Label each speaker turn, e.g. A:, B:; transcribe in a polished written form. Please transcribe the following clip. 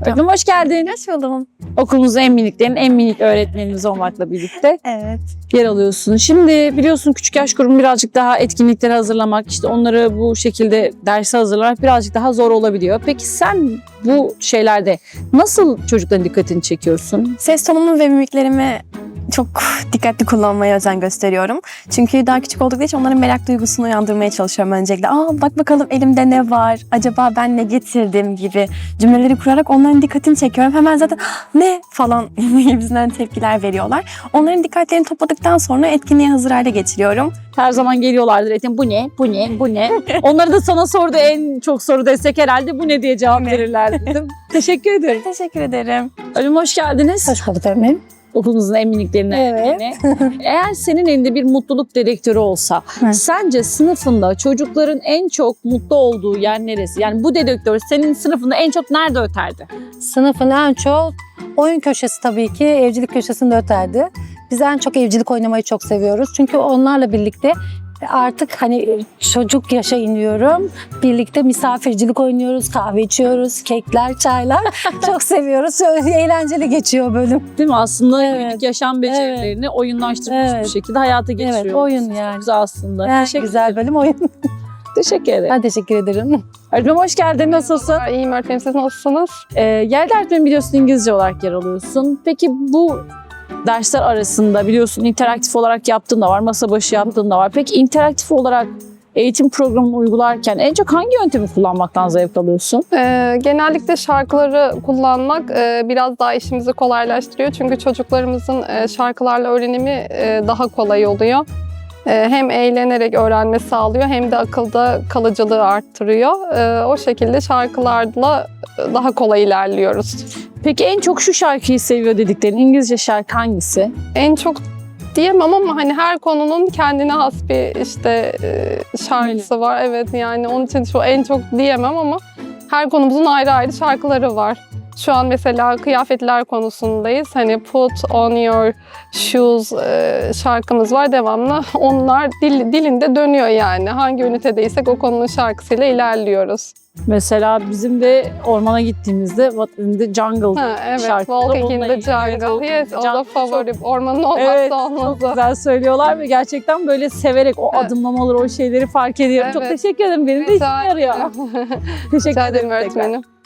A: Öğretmenim hoş geldin.
B: Hoş buldum.
A: Okulumuzun en miniklerinin en minik öğretmenimiz olmakla birlikte
B: Evet.
A: yer alıyorsun. Şimdi biliyorsun küçük yaş grubu birazcık daha etkinliklere hazırlamak, işte onları bu şekilde derse hazırlamak birazcık daha zor olabiliyor. Peki sen bu şeylerde nasıl çocukların dikkatini çekiyorsun?
B: Ses tonumu ve mimiklerimi çok dikkatli kullanmaya özen gösteriyorum. Çünkü daha küçük oldukları için onların merak duygusunu uyandırmaya çalışıyorum öncelikle. Bak bakalım elimde ne var? Acaba ben ne getirdim gibi cümleleri kurarak onların dikkatini çekiyorum. Hemen zaten ne falan gibisinden tepkiler veriyorlar. Onların dikkatlerini topladıktan sonra etkinliğe hazır hale getiriyorum.
A: Her zaman geliyorlardır eğitim. Bu ne? Bu ne? Bu ne? Onları da sana sordu, en çok soru desek herhalde bu ne diye cevap verirler dedim. Teşekkür ederim.
B: Teşekkür ederim.
A: Ölüm hoş geldiniz.
C: Hoş bulduk öğretmenim.
A: Okulumuzun en miniklerinden birine. Eğer senin elinde bir mutluluk dedektörü olsa, sence sınıfında çocukların en çok mutlu olduğu yer neresi? Yani bu dedektör senin sınıfında en çok nerede öterdi?
C: Sınıfın en çok oyun köşesi tabii ki evcilik köşesinde öterdi. Biz en çok evcilik oynamayı çok seviyoruz. Çünkü onlarla birlikte artık hani çocuk yaşa iniyorum. Birlikte misafircilik oynuyoruz, kahve içiyoruz, kekler, çaylar. Çok seviyoruz. Eğlenceli geçiyor bölüm.
A: Değil mi? Aslında
C: Evet.
A: günlük yaşam becerilerini oyunlaştırmış
C: Evet.
A: bir şekilde hayata geçiriyoruz.
C: Evet, oyun
A: Çok
C: yani.
A: güzel aslında.
C: En
A: Teşekkür,
C: güzel bölüm oyun.
A: teşekkür ederim.
C: Ben teşekkür ederim.
A: Öğretmenim hoş geldin. Nasılsın?
D: İyiyim öğretmenim, siz nasılsınız?
A: Yerde öğretmenim biliyorsun İngilizce olarak yer alıyorsun. Peki bu dersler arasında biliyorsun interaktif olarak yaptığın da var, masa başı yaptığın da var. Peki interaktif olarak eğitim programını uygularken en çok hangi yöntemi kullanmaktan zevk alıyorsun?
D: Genellikle şarkıları kullanmak biraz daha işimizi kolaylaştırıyor. Çünkü çocuklarımızın şarkılarla öğrenimi daha kolay oluyor. Hem eğlenerek öğrenme sağlıyor hem de akılda kalıcılığı arttırıyor. O şekilde şarkılarla daha kolay ilerliyoruz.
A: Peki en çok şu şarkıyı seviyor dediklerin İngilizce şarkı hangisi?
D: En çok diyemem ama hani her konunun kendine has bir işte şarkısı var. Evet, yani onun için şu en çok diyemem ama her konumuzun ayrı ayrı şarkıları var. Şu an mesela kıyafetler konusundayız. Hani Put on your shoes şarkımız var devamlı. Onlar dilinde dönüyor yani. Hangi ünitedeysek o konunun şarkısıyla ilerliyoruz.
A: Mesela bizim de ormana gittiğimizde What in the Jungle
D: Evet,
A: şarkı.
D: Walking in the Jungle. Yes, o da favori. Ormanın olmazsa
A: Evet,
D: olmazı.
A: çok güzel söylüyorlar ve gerçekten böyle severek o
D: Evet.
A: adımlamaları, o şeyleri fark ediyorum. Çok
D: Evet.
A: teşekkür ederim. Benim de işime
D: Rica
A: yarıyor.
D: ederim.
A: Teşekkür
D: Rica
A: ederim
D: ederim
A: tekrar.
D: öğretmenim.